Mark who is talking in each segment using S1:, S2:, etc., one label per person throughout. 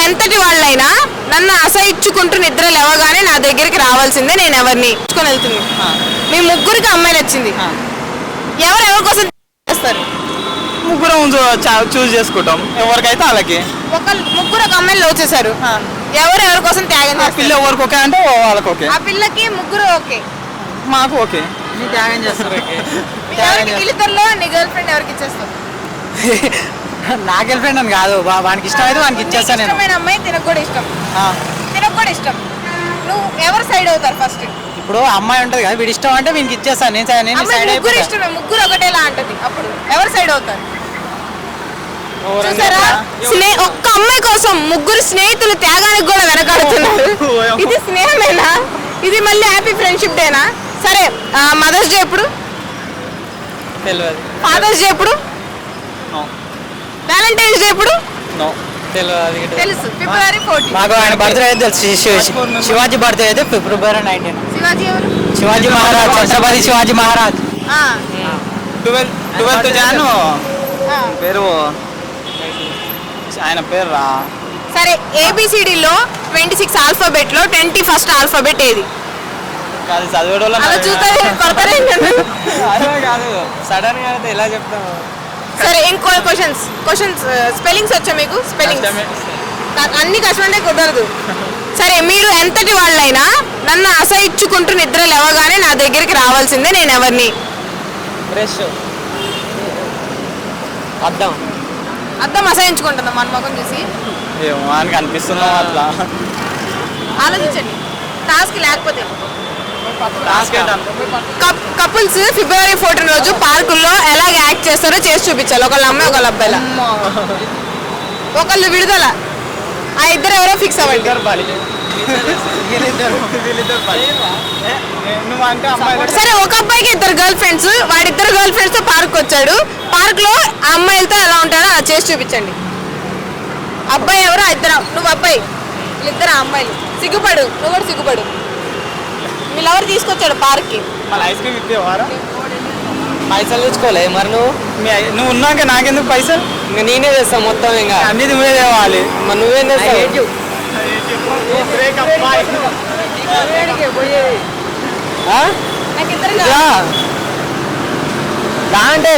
S1: ఎంతటి వాళ్ళైనా నన్ను అసహించుకుంటూ నిద్ర లేవగానే నా దగ్గరికి రావాల్సిందే. నేను ఎవరిని ఇచ్చుకొని వెళ్తుంది. మీ ముగ్గురికి అమ్మాయి నచ్చింది, ఎవరెవరి కోసం చేస్తారు?
S2: ముగ్గురం చూస్ చేసుకుంటాం, ఎవరికైతే వాళ్ళకి.
S1: ముగ్గురు ఒక అమ్మాయిని లవ్ చేశారు, ఎవరెవరి కోసం త్యాగం చేస్తారు?
S2: పిల్ల ఎవరికి ఓకే అంటే వాళ్ళకి ఓకే,
S1: ఆ పిల్లకి ముగ్గురు ఓకే,
S2: మాకు ఓకే.
S3: త్యాగం చేస్తారు.
S1: వీళ్ళిద్దరిలో నీ గర్ల్ ఫ్రెండ్ ఎవరికి ఇచ్చేస్తావు?
S3: నా గర్ల్ ఫ్రెండ్ అని కాదు, వానికి ఇష్టమైతే వానికి ఇచ్చేస్తాను నేను.
S1: ఇష్టమైన అమ్మాయి తినకు కూడా ఇష్టం, తినకు కూడా ఇష్టం. నువ్వు ఎవరు సైడ్ అవుతారు ఫస్ట్?
S3: ఇప్పుడు అమ్మాయి ఉంటది కదా, వీడి ఇష్టం అంటే వీనికి ఇచ్చేస్తాను నేను సైడ్
S1: ముగ్గురు ఇష్టమే, ముగ్గురు ఒకటేలా అంటది, అప్పుడు ఎవరు సైడ్ అవుతారు? చూసారా, ఒక్క అమ్మాయి కోసం ముగ్గురు స్నేహితులు త్యాగానికి కూడా వెనకాడుతున్నారు. ఇది స్నేహమేనా? ఇది మళ్ళీ హ్యాపీ ఫ్రెండ్షిప్ డేనా? సరే, మదర్స్ డే ఎప్పుడు?
S3: తెలియదు.
S1: ఫాదర్స్ డే ఎప్పుడు? వ్యాలంటైన్స్ డే ఎప్పుడు? తెలుసు, ఫిబ్రవరి 14.
S3: మాకు ఆయన బర్త్డే అయితే తెలుసు. శివాజీ బర్త్డే అయితే ఫిబ్రవరి 19.
S1: శివాజీ ఎవరు?
S3: శివాజీ మహారాజ్, ఛత్రపతి శివాజీ మహారాజ్.
S2: 12th జాను పేరు, ఆయన పేరు రా.
S1: సరే, ఏబిసిడిలో 26 ఆల్ఫాబెట్ లో 21st ఆల్ఫాబెట్ ఏది?
S2: కాదు చదివేటోళ్ళ కాదు, సడన్ గా అయితే ఎలా చెప్తాము.
S1: సరే, ఇంకో క్వశ్చన్స్ స్పెల్లింగ్స్ వచ్చా మీకు? స్పెల్లింగ్స్ అన్ని కష్టమంటే కుదరదు. సరే, మీరు ఎంతటి వాళ్ళైనా నన్ను అసహించుకుంటూ నిద్ర లేవగానే నా దగ్గరికి రావాల్సిందే. నేను ఎవరిని?
S3: బ్రష్, అద్దం.
S1: అద్దం అసహించుకుంటుందా మన ముఖం చూసి?
S2: ఏమో ఆయనకి అనిపిస్తున్నాం అట్లా.
S1: ఆలోచించండి, టాస్క్ లేకపోతే.
S2: టాస్క్
S1: కపుల్స్ ఫిబ్రవరి 14 రోజు పార్కుల్లో ఎలాగ యాక్ట్ చేస్తారో చేసి చూపించాలి. ఒకళ్ళ అమ్మాయి, ఒకళ్ళ అబ్బాయిల. ఒకళ్ళు విడుదల, ఆ ఇద్దరు ఎవరో ఫిక్స్ అవ్వండి. సరే, ఒక అబ్బాయికి ఇద్దరు గర్ల్ ఫ్రెండ్స్, వాడిద్దరు గర్ల్ ఫ్రెండ్స్ తో పార్క్ వచ్చాడు. పార్క్ లో ఆ అమ్మాయిలతో ఎలా ఉంటాడో అలా చేసి చూపించండి. అబ్బాయి ఎవరో ఇద్దరు, నువ్వు అబ్బాయి, వీళ్ళిద్దరు అమ్మాయిలు. సిగ్గుపడు, నువ్వు కూడా సిగ్గుపడు. వీళ్ళు ఎవరు తీసుకొచ్చాడు పార్క్ కి?
S2: మళ్ళీ ఐస్ క్రీమ్ ఇప్పేవారా?
S3: పైసలు తెచ్చుకోలే మరి
S2: నువ్వు ఉన్నాక నాకెందుకు పైసలు?
S3: ఇంకా నేనే చేస్తాను మొత్తం, ఇంకా
S2: అన్ని నువ్వే తేవాలి.
S3: మరి నువ్వేం చేస్తావు?
S1: నాకు ఇద్దరు
S3: అంటే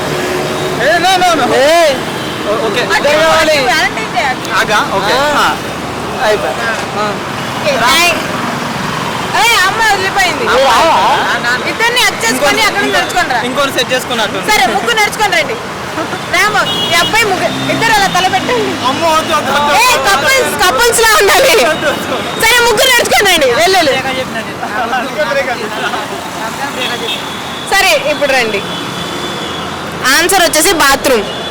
S1: అమ్మాయి వదిలిపోయింది. ఇద్దరిని చేసుకొని అక్కడ నడుచుకోండి.
S2: ఇంకోటి సెట్ చేసుకున్నట్టు.
S1: సరే, ముగ్గురు నడుచుకొని రండి. రామ, ఈ అబ్బాయి ముగ్గురు, ఇద్దరు అలా తల పెట్టండి. కపుల్స్ లా ఉండాలి. సరే, ముగ్గురు నడుచుకొని రండి. వెళ్ళు. సరే, ఇప్పుడు రండి. ఆన్సర్ వచ్చేసి బాత్రూమ్.